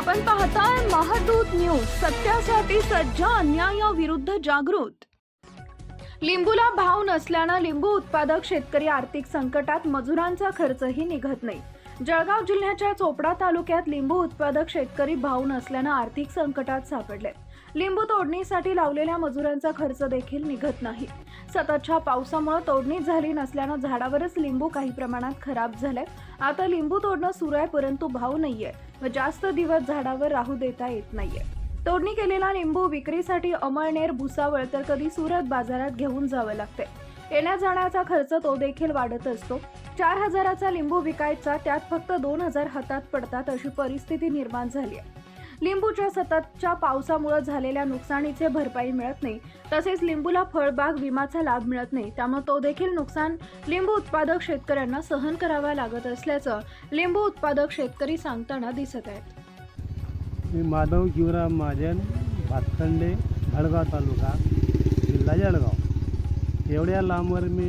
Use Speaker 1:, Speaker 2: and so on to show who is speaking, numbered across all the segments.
Speaker 1: आपण पाहताय महादूत न्यूज, सत्यासाठी सज्ज, अन्यायाविरुद्ध जागृत। लिंबूला भाव नसल्याने लिंबू उत्पादक शेतकरी आर्थिक संकटात, मजुरांचा खर्चही निघत नाही। जळगाव जिल्ह्याच्या चोपडा तालुक्यात लिंबू उत्पादक शेतकरी भाव नसल्याने आर्थिक संकटात सापडले। लिंबू तोडणीसाठी लावलेल्या मजुरांचा खर्च देखील निघत नाही। सततच्या पावसामुळे तोडणी झाली नसल्याने झाडावरच लिंबू काही प्रमाणात खराब झाले। आता लिंबू तोडणं सुरू आहे, परंतु भाव नाहीये व जास्त दिवस झाडावर राहू देता येत नाहीये। तोडणी केलेला लिंबू विक्रीसाठी अमळनेर, भुसावळ तर कधी सुरत बाजारात घेऊन जावे लागते। येण्या जाण्याचा खर्च तो देखील वाढत असतो। 4000चा लिंबू विकायचा, त्यात फक्त 2000 हातात पडतात, अशी परिस्थिती निर्माण झाली आहे। लिंबूच्या सततच्या पावसामुळे झालेल्या नुकसानीचे भरपाई मिळत नाही, तसेच लिंबूला फळबाग विमाचा लाभ मिळत नाही, त्यामुळे तो देखील नुकसान लिंबू उत्पादक शेतकऱ्यांना सहन करावा लागत असल्याचं लिंबू उत्पादक शेतकरी सांगताना दिसत आहेत।
Speaker 2: मी माधव शिवराम महाजन, भातखंडे, जळगाव तालुका, जिल्हा जळगाव। एवढ्या लांबवर मी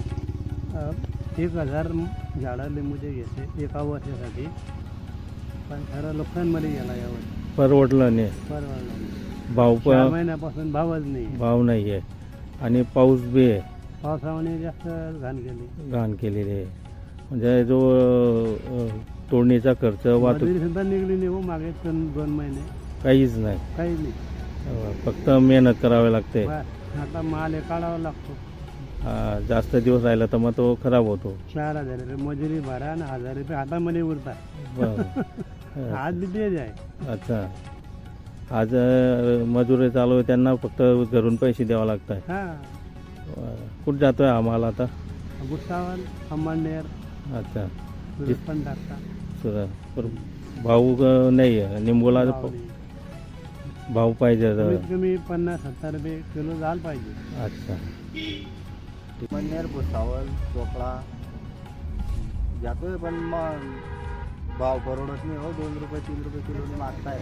Speaker 2: 1000 झाडं लिंबूचे घेतले एका वर्षासाठी, पण खरं नुकसानमध्ये गेला यावर।
Speaker 3: परवडलं नाही, भाव
Speaker 2: 4 महिन्यापासून भावच नाही,
Speaker 3: भाव नाही आहे आणि पाऊस बी आहे,
Speaker 2: पावसामुळे जास्त
Speaker 3: घाण केलेली आहे। म्हणजे जो तोडणीचा खर्च, वाहतूक
Speaker 2: सुद्धा निघली नाही हो, मागे 2 महिने
Speaker 3: काहीच नाही,
Speaker 2: काही नाही,
Speaker 3: फक्त मेहनत करावी लागते।
Speaker 2: आता माल हे काढावा लागतो।
Speaker 3: जास्त दिवस राहिला तर मग तो खराब होतो।
Speaker 2: 4000 रुपये मजुरी भरा आणि 1000 रुपये हातामध्ये उरतात। आज बी तेच आहे।
Speaker 3: अच्छा, आज मजुरी चालू आहे, त्यांना फक्त घरून पैसे द्यावे लागतात।
Speaker 2: हां,
Speaker 3: कुठं जातोय हा माल आता?
Speaker 2: भुसावळ, अमळनेर,
Speaker 3: अच्छा,
Speaker 2: सुरत पण टाकता।
Speaker 3: पर भाव नाही आहे लिंबूला, भाव पाहिजे,
Speaker 2: कमीत कमी 50-70 रुपये किलो झालं पाहिजे।
Speaker 3: अच्छा,
Speaker 4: अमळनेर, भुसावळ, चोपडा जातोय, पण मग भाव परवडत नाही हो। 2 रुपये 3 रुपये किलोने मागताय।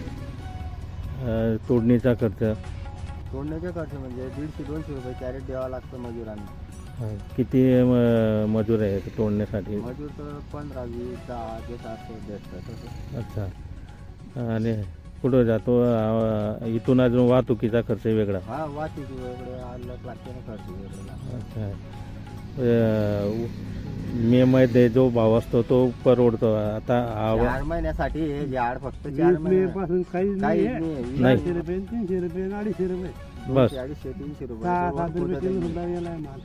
Speaker 3: तोडणीचा खर्च,
Speaker 4: तोडण्याचे खर्च म्हणजे 150-200 रुपये कॅरेट द्यावा लागतं मजुरांना।
Speaker 3: किती मजूर आहे तोडण्यासाठी?
Speaker 4: मजूर तर 15, 20, 10 ते 700 भेटतात तसं।
Speaker 3: अच्छा, आणि कुठं जातो? इथून अजून वाहतुकीचा खर्च वेगळा?
Speaker 4: हा, वाहतूक वेगळे, अलग लागते ना, खर्च वेगळा।
Speaker 3: अच्छा, मे मध्ये जो भाव असतो तो परवडतो। आता
Speaker 4: 4 महिन्यासाठी हे झाड फक्त 4
Speaker 2: 20
Speaker 4: महिने
Speaker 2: पासून काहीच
Speaker 4: काहीच
Speaker 2: नाही,
Speaker 4: नाही।
Speaker 2: 200 रुपये, 300 रुपये, 250 रुपये,
Speaker 3: बस.
Speaker 4: 200-300 रुपये
Speaker 2: 6-7 रुपये किलो सुद्धा गेलाय माल।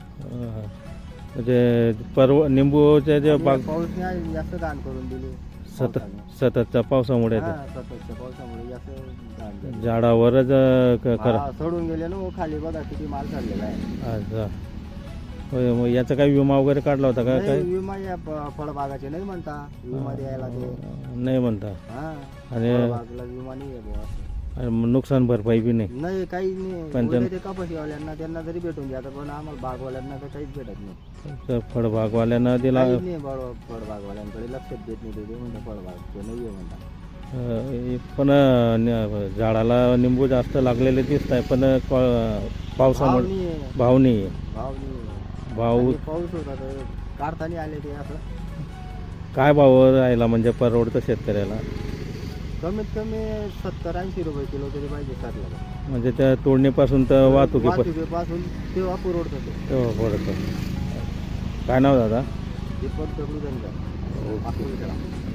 Speaker 3: म्हणजे निंबूचे जे बाग
Speaker 4: पाऊसने जास्त घाण करून दिली।
Speaker 3: सततच्या पावसामुळे
Speaker 4: हा, सततच्या पावसामुळे जास्त घाण झाली।
Speaker 3: झाडावरच
Speaker 4: हा, सोडून गेले ना हो, खाली बघा किती माल चाललेला आहे।
Speaker 3: अच्छा, होय, मग याचा काही विमा वगैरे काढला होता का?
Speaker 4: नाही,
Speaker 3: काय
Speaker 4: विमा या फळबागाचे नाही म्हणता, विमा द्यायला ते
Speaker 3: नाही म्हणता,
Speaker 4: हा,
Speaker 3: आणि
Speaker 4: फळबागला विमा नाही आहे बुवा असं।
Speaker 3: नुकसान भरपाई बी नाही?
Speaker 4: नाही, काही नाही।
Speaker 3: पंचन-
Speaker 4: उलट ते कपाशीवाल्यांना त्यांना जरी भेटून जातं, पण आम्हाला बागवाल्यांना तर काहीच भेटत नाही।
Speaker 3: तर फळबागवाल्यांना दिला,
Speaker 4: काहीच नाही, फळबागवाल्यांकडे लक्षच देत नाही ते म्हणतात फळबाग नाही आहे म्हणतात।
Speaker 3: पण झाडाला निंबू जास्त लागलेले दिसत आहे, पण पावसामुळे भाव नाही आहे। भाव
Speaker 4: आणि पाऊस होता तर काढताना आले ते असं।
Speaker 3: काय भाव राहिला म्हणजे परवडतं शेतकऱ्याला?
Speaker 4: कमीत कमी 70-80 रुपये किलो तरी पाहिजे साठला।
Speaker 3: म्हणजे त्या तोडणीपासून तर
Speaker 4: वाहतुकीपासून तेव्हा पुरवडतं ते।
Speaker 3: तेव्हा पडतं। काय नाव दादा?
Speaker 4: दीपक दगडू धनगर,